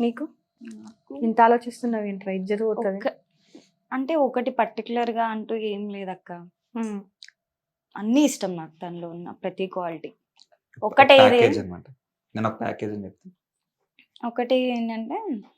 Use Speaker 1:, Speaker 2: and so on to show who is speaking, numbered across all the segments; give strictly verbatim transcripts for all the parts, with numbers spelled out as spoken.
Speaker 1: నీకు
Speaker 2: నాకు
Speaker 1: ఇంత ఆలోచిస్తున్నావు ఏంట్రా? ఇజ్జత్ పోతుంది.
Speaker 2: ఒక అంటే ఒకటి పర్టికులర్ గా అంటూ ఏం లేదక్క. అన్ని ఇష్టం నాకు తనలో ఉన్న ప్రతి క్వాలిటీ. ఒకటే ఏది
Speaker 3: ప్యాకేజ్ అన్నమాట. నేను ఒక ప్యాకేజ్ అని చెప్తాను.
Speaker 2: ఒకటి ఏంటంటే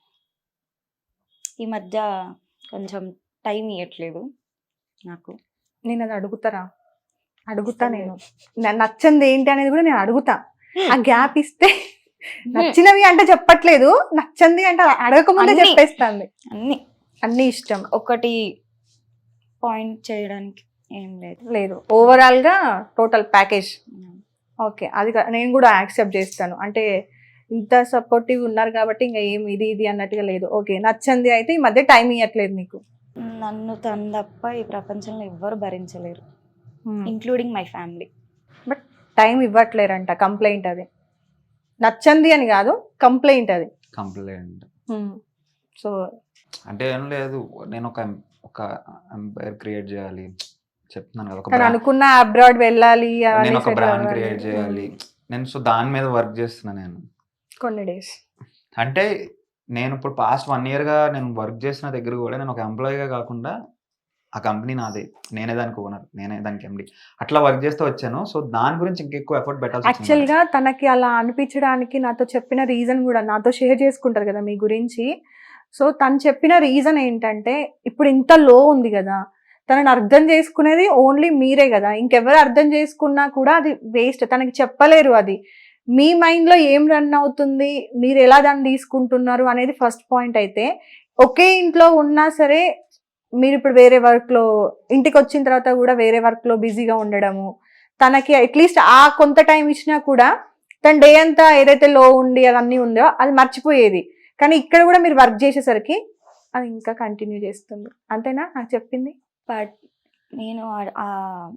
Speaker 2: ఈ మధ్య కొంచెం టైం ఇవ్వట్లేదు నాకు.
Speaker 1: నేను అది అడుగుతారా? అడుగుతా. నేను నా- నచ్చంది ఏంటి అనేది కూడా నేను అడుగుతా. ఆ గ్యాప్ ఇస్తే నచ్చినవి అంటే చెప్పట్లేదు, నచ్చంది అంటే అడగకముందే
Speaker 2: అన్ని.
Speaker 1: చెప్పేస్తాంది.
Speaker 2: అన్ని
Speaker 1: అన్ని ఇష్టం
Speaker 2: ఒకటి పాయింట్ చేయడానికి ఏం లేదు.
Speaker 1: లేదు, ఓవరాల్ గా టోటల్ ప్యాకేజ్. ఓకే, అది కా- నేను కూడా యాక్సెప్ట్ చేస్తాను. అంటే ఇంత సపోర్టివ్ ఉన్నారు కాబట్టి ఇంకా ఏం ఇది ఇది అన్నట్టుగా లేదు. ఓకే, నచ్చంది అయితే ఈ మధ్య టైం ఇవ్వట్లేదు నీకు.
Speaker 2: నన్ను తను తప్ప ఈ ప్రపంచంలో ఎవ్వరు భరించలేరు, including my family.
Speaker 1: But time ఇవ్వట్లేరంట, కంప్లైంట్ అది. నచ్చంది అని కాదు, కంప్లైంట్ అది.
Speaker 3: కంప్లైంట్
Speaker 1: సో
Speaker 3: అంటే ఏం లేదు, నేను ఒక ఒక ఎంపైర్ క్రియేట్ చేయాలి చెప్తున్నాను కదా. ఒక
Speaker 1: తను
Speaker 3: brand-
Speaker 1: అనుకున్న అబ్రాడ్ వెళ్ళాలి అవన్నీ
Speaker 3: నేను ఒక
Speaker 1: settle
Speaker 3: బ్రాండ్
Speaker 1: అవ్వాలి.
Speaker 3: క్రియేట్ చేయాలి. నేను సో దాని మీద వర్క్ చేస్తున్నా నేను.
Speaker 1: కొన్ని డేస్
Speaker 3: అంటే నేను ఇప్పుడు పాస్ట్ వన్ ఇయర్ గా నేను వర్క్ చేసిన దగ్గర కూడా నేను ఒక ఎంప్లాయీగా కాకుండా ఆ కంపెనీ నాదే, నేనే దానికి ఓనర్, నేనే దానికి ఎండి, అట్లా వర్క్ చేస్తూ వచ్చాను. సో దాని గురించి ఇంకెక్కువ ఎఫర్ట్ పెట్టాల్సి
Speaker 1: యాక్చువల్
Speaker 3: వచ్చింది.
Speaker 1: గా తనకి అలా అనిపించడానికి నాతో చెప్పిన రీజన్ కూడా నాతో షేర్ చేసుకుంటారు కదా మీ గురించి. సో తను చెప్పిన రీజన్ ఏంటంటే, ఇప్పుడు ఇంత లో ఉంది కదా, తనని అర్థం చేసుకునేది ఓన్లీ మీరే కదా, ఇంకెవరు అర్థం చేసుకున్నా కూడా అది వేస్ట్. తనకి చెప్పలేరు అది. మీ మైండ్ లో ఏం రన్ అవుతుంది, మీరు ఎలా దాన్ని తీసుకుంటున్నారు అనేది ఫస్ట్ పాయింట్. అయితే ఒకే ఇంట్లో ఉన్నా సరే మీరు ఇప్పుడు వేరే వర్క్ లో, ఇంటికి వచ్చిన తర్వాత కూడా వేరే వర్క్ లో బిజీగా ఉండడము, తనకి అట్లీస్ట్ ఆ కొంత టైం ఇచ్చినా కూడా తన డే అంతా ఏదైతే లో ఉండి అవన్నీ ఉందో అది మర్చిపోయేది. కానీ ఇక్కడ కూడా మీరు వర్క్ చేసేసరికి అది ఇంకా కంటిన్యూ చేస్తుంది. అంతేనా నాకు చెప్పింది?
Speaker 2: బట్ నేను ఆ- ఆ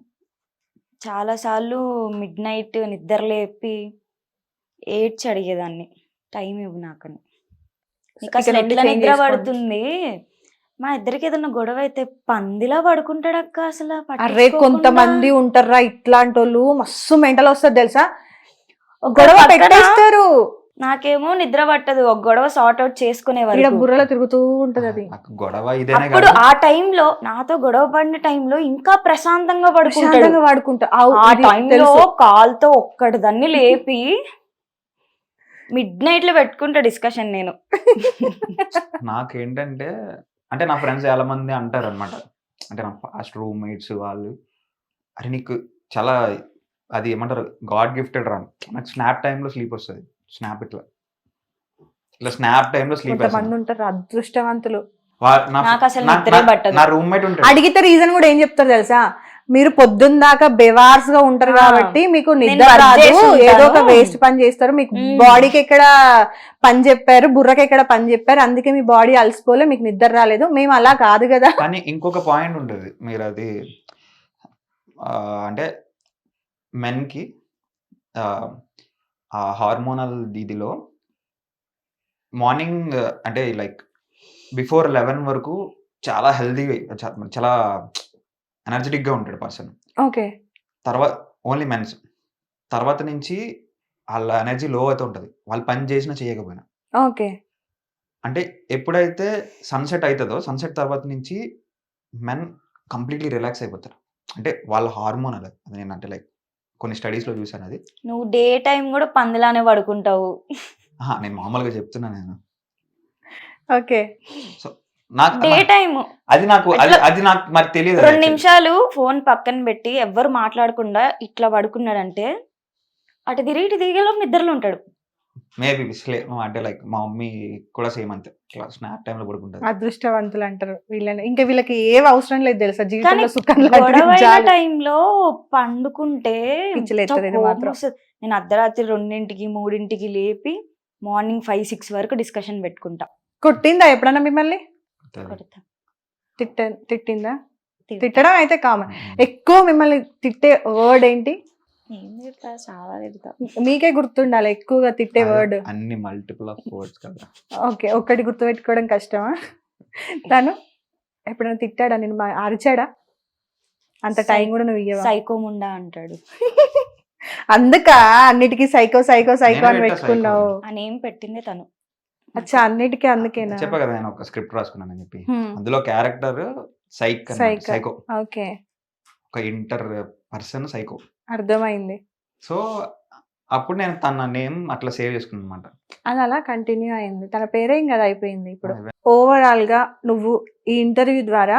Speaker 2: చాలాసార్లు మిడ్ నైట్ నిద్ర లేపి ఏడ్చి అడిగేదాన్ని, టైం ఇవ్వు నాకని. నీకు అసలు
Speaker 1: ఇక్కడ నుండి
Speaker 2: ఎట్లా
Speaker 1: change
Speaker 2: నిద్ర
Speaker 1: చేసుకోండి.
Speaker 2: పడుతుంది? మా ఇద్దరికి ఏదన్నా గొడవ అయితే పందిలా పడుకుంటాడక్క అసలు.
Speaker 1: అరే
Speaker 2: పట్టించుకోకుండా.
Speaker 1: కొంతమంది ఉంటారా ఇట్లాంటి వాళ్ళు, మస్తు మెంటల్ వస్తుంది తెలుసా,
Speaker 2: ఒక
Speaker 1: గొడవ
Speaker 2: పక్కన
Speaker 1: పెట్టేస్తారు.
Speaker 2: నాకేమో నిద్ర పట్టదు, ఒక గొడవ సార్ట్ అవుట్ చేసుకునే
Speaker 1: ఇక్కడ
Speaker 2: వరకు.
Speaker 1: బుర్రలో తిరుగుతూ ఉంటది అది.
Speaker 3: నాకు గొడవ ఇదేనే
Speaker 2: అప్పుడు
Speaker 3: కాదు,
Speaker 2: ఆ టైంలో నాతో గొడవ పడిన టైంలో ఇంకా ప్రశాంతంగా పడుకుంటాడు.
Speaker 1: ప్రశాంతంగా వాడుకుంటా. అవు,
Speaker 2: ఆ
Speaker 1: ఇది
Speaker 2: టైంలో
Speaker 1: తెలుసు.
Speaker 2: కాల్తో ఒక్కటి దాన్ని లేపి మిడ్ నైట్ లో పెట్టుకుంటా డిస్కషన్. నేను
Speaker 3: నాకేంటంటే అంటే నా ఫ్రెండ్స్ చాలా మంది అంటారు అనమాట, అంటే నా ఫాస్ట్ రూమ్మేట్స్ వాళ్ళు, అరే నీకు చాలా అది ఏమంటారు గాడ్ గిఫ్టెడ్ రా, నాకు స్నాప్ టైంలో స్లీప్ వస్తుంది. స్నాప్ ఇట్లా ఇట్లా స్నాప్ టైంలో స్లీప్
Speaker 1: కొంతమంది ఉంటారు అదృష్టవంతులు.
Speaker 2: నాకు అసలు నిద్రే పట్టదు.
Speaker 3: నా రూమ్మేట్ ఉంటాడు,
Speaker 1: అడిగితే రీజన్ కూడా ఏం చెప్తారు తెలుసా, మీరు పొద్దున్న దాకా బెవార్స్ గా ఉంటారు
Speaker 2: ఆ,
Speaker 1: కాబట్టి మీకు
Speaker 2: నేను
Speaker 1: నిద్ర
Speaker 2: work
Speaker 1: రాదు,
Speaker 2: చేసి ఉంటాను.
Speaker 1: ఏదో ఒక వేస్ట్ పని చేస్తారు, మీకు
Speaker 2: మ్మ్.
Speaker 1: బాడీకి ఎక్కడ పని చెప్పారు, బుర్రకి ఎక్కడ పని చెప్పారు, అందుకే మీ బాడీ అలసిపోలే, మీకు నిద్ర రాలేదు. మేము అలా కాదు కదా.
Speaker 3: కానీ ఇంకొక పాయింట్ ఉంటుంది, మీరు అది ఆ, అంటే మెన్కి ఆ హార్మోనల్ దీదిలో మార్నింగ్ అంటే లైక్ బిఫోర్ లెవెన్ వరకు చాలా హెల్దీగా చాలా ఎనర్జెటిక్గా ఉంటాడు పర్సన్.
Speaker 1: ఓకే,
Speaker 3: తర్వాత ఓన్లీ మెన్స్, తర్వాత నుంచి వాళ్ళ ఎనర్జీ లో అవుతూ ఉంటుంది, వాళ్ళు పని చేసినా చేయకపోయినా.
Speaker 1: ఓకే,
Speaker 3: అంటే ఎప్పుడైతే సన్సెట్ అవుతుందో సన్సెట్ తర్వాత నుంచి మెన్ కంప్లీట్లీ రిలాక్స్ అయిపోతారు. అంటే వాళ్ళ హార్మోన్ అది అది నేను అంటే లైక్ కొన్ని స్టడీస్లో చూసాను అది.
Speaker 2: నువ్వు డే టైం కూడా పందిలానే పడుకుంటావు.
Speaker 3: ఆహా, నేను మామూలుగా చెప్తున్నా నేను.
Speaker 1: ఓకే.
Speaker 3: సో నాకు
Speaker 2: డే టైం
Speaker 3: అది నాకు అది
Speaker 2: అట్లా
Speaker 3: అది నాకు మరి తెలియదు.
Speaker 2: రెండు నిమిషాలు ఫోన్ పక్కన పెట్టి ఎవ్వరు మాట్లాడకుండా ఇట్లా పడుకున్నాడంటే అటు తిరిగి ఇటు తిరిగేలో నిద్రలో ఉంటాడు.
Speaker 3: మేబీ అంటే లైక్ మా మమ్మీ కూడా సేమ్ అంతే, ఇట్లా స్నాప్ టైంలో పడుకుంటుంది.
Speaker 1: అదృష్టవంతులు అంటారు వీళ్ళని. ఇంకా వీళ్ళకి ఏం అవసరం లేదు తెలుసా
Speaker 2: కానీ
Speaker 1: జీవితంలో, సుఖం
Speaker 2: గొడవైన
Speaker 1: లాంటిది
Speaker 2: టైంలో పండుకుంటే
Speaker 1: పిచ్చిలేస్తుంది
Speaker 2: ఎంత
Speaker 1: మాత్రం.
Speaker 2: కోపం వస్తది. నేను అర్ధరాత్రి రెండింటికి మూడింటికి లేపి మార్నింగ్ ఫైవ్ సిక్స్ వరకు డిస్కషన్ పెట్టుకుంటా.
Speaker 1: కొట్టిందా ఎప్పుడన్నా మిమ్మల్ని?
Speaker 2: కొడతా.
Speaker 1: తిట్ట తిట్టిందా?
Speaker 2: తిడతా.
Speaker 1: తిట్టడం అయితే కామన్. ఎక్కువ మిమ్మల్ని తిట్టే వర్డ్ ఏంటి?
Speaker 2: ఏం తిడతా, చాలా తిడతా.
Speaker 1: మీకే గుర్తుండాలి ఎక్కువగా తిట్టే వర్డ్.
Speaker 3: అన్ని మల్టిపుల్ ఆఫ్ వర్డ్స్ కదా.
Speaker 1: ఓకే, ఒక్కటి గుర్తుపెట్టుకోవడం కష్టమా? తను ఎప్పుడైనా తిట్టాడా నేను, మా అరిచాడా? అంత టైం కూడా నువ్వు ఇయ్యవా?
Speaker 2: సైకోముండా అంటాడు.
Speaker 1: అందుక అన్నిటికీ సైకో సైకో సైకో అని
Speaker 3: నేనే పెట్టా
Speaker 1: పెట్టుకున్నావు.
Speaker 2: ఆ నేమ్ పెట్టిందే తను.
Speaker 1: అచ్చా అన్నిటికీ అందుకేనా?
Speaker 3: చెప్పా కదా నేను ఒక స్క్రిప్ట్ రాసుకున్నానని చెప్పి.
Speaker 1: హ్మ్.
Speaker 3: అందులో character psych
Speaker 1: Psycho.
Speaker 3: Psycho,
Speaker 1: okay,
Speaker 3: ఒక ఇంటర్ పర్సన్ సైకో.
Speaker 1: అర్థమైంది.
Speaker 3: సో అప్పుడు నేను తన నేమ్ అట్లా సేవ్ చేసుకున్నాను అనమాట.
Speaker 1: అది అలా కంటిన్యూ అయింది. తన పేరేం కదా అయిపోయింది. ఇప్పుడు ఓవరాల్ గా నువ్వు ఈ ఇంటర్వ్యూ ద్వారా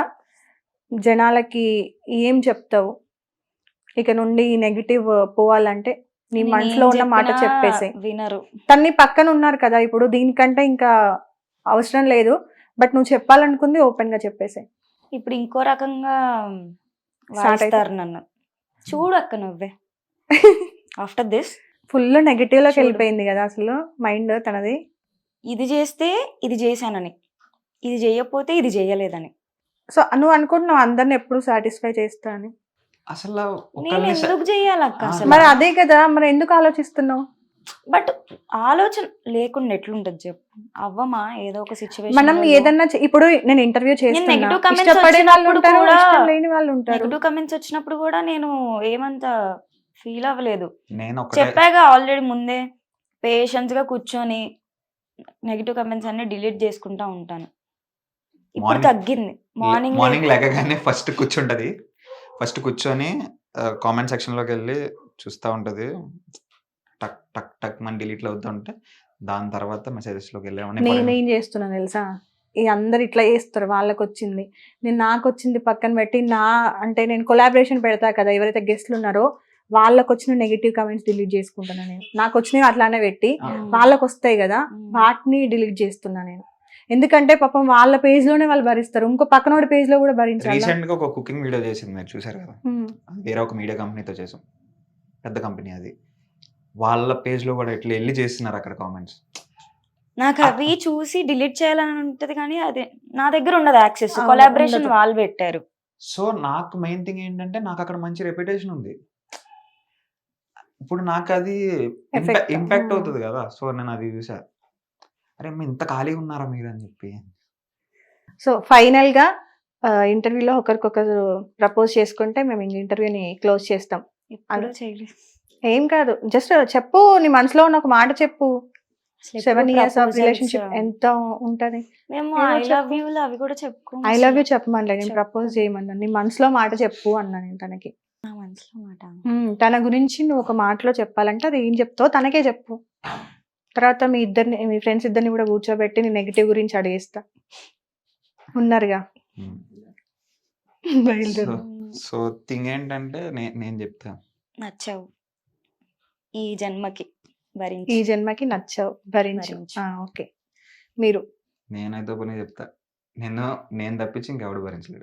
Speaker 1: జనాలకి ఏం చెప్తావు? ఇక నుండి ఈ నెగిటివ్ పోవాలంటే నీ
Speaker 2: నేను
Speaker 1: మనసులో
Speaker 2: ఏం
Speaker 1: ఉన్న మాట
Speaker 2: చెప్పినా
Speaker 1: చెప్పేసి.
Speaker 2: వినరు.
Speaker 1: తన్ని పక్కన ఉన్నారు కదా ఇప్పుడు, దీనికంటే ఇంకా అవసరం లేదు. బట్ నువ్వు చెప్పాలనుకుంది ఓపెన్ గా చెప్పేసి.
Speaker 2: ఇప్పుడు ఇంకో రకంగా
Speaker 1: Start అయితే-
Speaker 2: వాయిస్తారు నన్ను. చూడు అక్క నువ్వే ఆఫ్టర్ దిస్
Speaker 1: ఫుల్ నెగిటివ్ లోకి
Speaker 2: చూడు.
Speaker 1: వెళ్ళిపోయింది కదా అసలు మైండ్ తనది.
Speaker 2: ఇది చేస్తే ఇది చేశానని, ఇది చేయకపోతే ఇది చేయలేదని.
Speaker 1: సో నువ్వు అనుకుంటున్నావు అందరిని ఎప్పుడు సాటిస్ఫై చేస్తా అని.
Speaker 3: అసలు
Speaker 2: నేను
Speaker 3: ఒకళ్ళని స-
Speaker 2: ఎందుకు చెయ్యాలక్క
Speaker 3: ఆ,
Speaker 2: అసలు?
Speaker 1: మరి అదే కదా, మరి ఎందుకు ఆలోచిస్తున్నావు?
Speaker 2: బట్ ఆలోచన లేకుండా ఎట్లుంటది చెప్పు. అవ్వమా ఏదో ఒక
Speaker 1: మనం
Speaker 2: సిచ్యువేషన్
Speaker 1: ఏదన్నా చే- ఇప్పుడు నేను ఇంటర్వ్యూ చేస్తున్నా,
Speaker 2: negative comments
Speaker 1: ఇష్టపడే వాళ్ళు
Speaker 2: వచ్చినప్పుడు
Speaker 1: ఉంటారు,
Speaker 2: కూడా-
Speaker 1: ఇష్టం లేని వాళ్ళు ఉంటారు.
Speaker 2: నెగిటివ్ కమెంట్స్ వచ్చినప్పుడు కూడా నేను ఏమంత ఫీల్ అవ్వలేదు.
Speaker 3: నేను ఒకటే
Speaker 2: చెప్పాగా ఆల్రెడీ ముందే, పేషెన్స్ గా కూర్చొని నెగిటివ్ కమెంట్స్ అన్ని డిలీట్ చేసుకుంటా ఉంటాను. ఇప్పుడు
Speaker 3: Morning-
Speaker 2: తగ్గింది. మార్నింగ్
Speaker 3: మార్నింగ్ లేకగానే ఫస్ట్ కూర్చుంటది. ఫస్ట్ కూర్చొని కామెంట్ సెక్షన్ లోకి వెళ్ళి చూస్తూ ఉంటది. టక్ టక్ టక్ మన డిలీట్ అవుతా ఉంటే దాని తర్వాత మెసేజెస్ లోకి వెళ్ళామని
Speaker 1: నేను ఏం చేస్తున్నాను తెలుసా, ఈ అందరు ఇట్లా చేస్తారు, వాళ్ళకి వచ్చింది, నేను నాకు వచ్చింది పక్కన పెట్టి నా అంటే నేను కొలాబరేషన్ పెడతా కదా, ఎవరైతే గెస్ట్లు ఉన్నారో వాళ్ళకి వచ్చిన నెగిటివ్ కమెంట్స్ డిలీట్ చేసుకుంటున్నా నేను. నాకు వచ్చినవి అట్లానే పెట్టి వాళ్ళకి వస్తాయి కదా వాటిని డిలీట్ చేస్తున్నా నేను. ఎందుకంటే పాపం వాళ్ళ పేజ్ లోనే వాళ్ళు భరిస్తారు, ఇంకో పక్కనోడి పేజ్ లో కూడా భరించాలి.
Speaker 3: రీసెంట్ గా ఒక కుకింగ్ వీడియో చేసింది, మీరు చూసారు కదా. అది వేరే ఒక మీడియా కంపెనీతో చేసాం, పెద్ద కంపెనీ అది. వాళ్ళ పేజ్ లో కూడా ఇట్లా వెళ్ళి చేస్తున్నారు అక్కడ కామెంట్స్.
Speaker 2: నాకు అవి చూసి డిలీట్ చేయాలని ఉంటది కానీ అదే నా దగ్గర ఉండదు యాక్సెస్.
Speaker 1: అవును,
Speaker 2: కొలాబరేషన్
Speaker 1: ఉండదు.
Speaker 2: వాళ్ళు పెట్టారు.
Speaker 3: సో నాకు మెయిన్ థింగ్ ఏంటంటే నాకు అక్కడ మంచి రెప్యుటేషన్ ఉంది. ఇప్పుడు నాకు అది
Speaker 1: Effect.
Speaker 3: Impact
Speaker 1: Hmm.
Speaker 3: అవుతుంది కదా. సో నేను అది చూసా, అరే అమ్మ ఇంత ఖాళీగా ఉన్నారా మీరు అని చెప్పి.
Speaker 1: సో ఫైనల్ గా ఇంటర్వ్యూలో ఒకరికొకరు ప్రపోజ్ చేసుకుంటే మేము ఇంక ఇంటర్వ్యూని క్లోజ్ చేస్తాం.
Speaker 2: ఎప్పుడూ చేయలేదు.
Speaker 1: ఏం కాదు, జస్ట్ చెప్పు, నీ మనసులో ఉన్న ఒక మాట చెప్పు.
Speaker 2: అసలు
Speaker 1: సెవెన్
Speaker 2: ఎప్పుడూ
Speaker 1: ఇయర్స్ ఆఫ్
Speaker 2: proposals,
Speaker 1: రిలేషన్షిప్ ఎంత ఉంటది?
Speaker 2: మేము
Speaker 1: ఏమో
Speaker 2: ఐ లవ్
Speaker 1: చెప్పు.
Speaker 2: యూ అవి కూడా చెప్పుకో.
Speaker 1: ఐ లవ్ యూ చెప్పమనలే, నేను
Speaker 2: చెప్పు.
Speaker 1: ప్రపోజ్ చేయమన్నా. నీ మనసులో మాట చెప్పు అన్నా నేను తనకి.
Speaker 2: నా మనసులో మాట.
Speaker 1: ఉమ్, తన గురించి నువ్వు ఒక మాటలో చెప్పాలంటే అది ఏం చెప్తావో తనకే చెప్పు. తర్వాత మీ ఇద్దరిని, మీ ఫ్రెండ్స్ ఇద్దరిని కూడా కూర్చోబెట్టి నీ నెగిటివ్ గురించి అడిగేస్తా. ఉన్నారుగా, బయలుదేరు.
Speaker 3: సో థింగ్ ఏంటంటే నే- నేను చెప్తా,
Speaker 2: నచ్చావు ఈ జన్మకి భరించి.
Speaker 1: ఈ జన్మకి నచ్చావు, భరించు.
Speaker 2: భరించు.
Speaker 1: ఆ, ఓకే. మీరు
Speaker 3: నేనైతే పని చెప్తా, నేను నేను తప్పించి ఇంకెవడు భరించలేడు.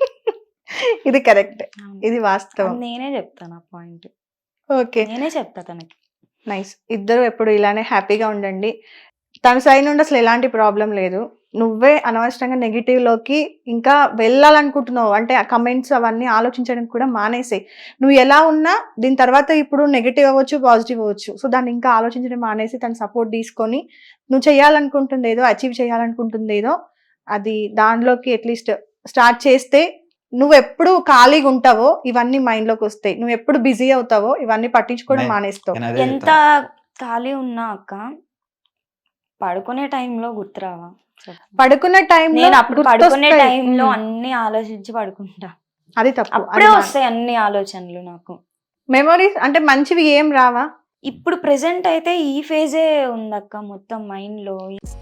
Speaker 1: ఇది కరెక్ట్,
Speaker 2: అవును.
Speaker 1: ఇది వాస్తవం.
Speaker 2: అది నేనే చెప్తాను ఆ పాయింట్.
Speaker 1: ఓకే,
Speaker 2: నేనే చెప్తా తనకి.
Speaker 1: నైస్. ఇద్దరు ఎప్పుడు ఇలానే హ్యాపీగా ఉండండి. తన సైడ్ నుండి అసలు ఎలాంటి ప్రాబ్లం లేదు. నువ్వే అనవసరంగా నెగిటివ్ లోకి ఇంకా వెళ్ళాలనుకుంటున్నావు అంటే ఆ కమెంట్స్ అవన్నీ ఆలోచించడం కూడా మానేసాయి. నువ్వు ఎలా ఉన్నా దీని తర్వాత ఇప్పుడు నెగిటివ్ అవ్వచ్చు, పాజిటివ్ అవ్వచ్చు. సో దాన్ని ఇంకా ఆలోచించడం మానేసి తన సపోర్ట్ తీసుకొని నువ్వు చేయాలనుకుంటుంది ఏదో, అచీవ్ చేయాలనుకుంటుంది ఏదో, అది దానిలోకి అట్లీస్ట్ స్టార్ట్ చేస్తే నువ్వు ఎప్పుడు ఖాళీగా ఉంటావో ఇవన్నీ మైండ్ లోకి వస్తాయి. నువ్వు ఎప్పుడు బిజీ అవుతావో ఇవన్నీ పట్టించుకోవడం
Speaker 3: నే-
Speaker 1: మానేస్తావు.
Speaker 3: నేను అదే
Speaker 2: ఎంత
Speaker 3: చెప్తా.
Speaker 2: ఖాళీ ఉన్నా అక్క పడుకునే టైంలో గుర్తురావా చెప్పు.
Speaker 1: పడుకునే టైం
Speaker 2: నేను అప్పుడు పడుకునే టైంలో అన్ని ఆలోచించి పడుకుంటా.
Speaker 1: అది తప్పు.
Speaker 2: అప్పుడే వస్తాయి అన్ని ఆలోచనలు నాకు.
Speaker 1: మెమరీస్ అంటే మంచివి ఏం రావా?
Speaker 2: ఇప్పుడు ప్రెసెంట్ అయితే ఈ ఫేజే ఉందక్క మొత్తం మైండ్ లో.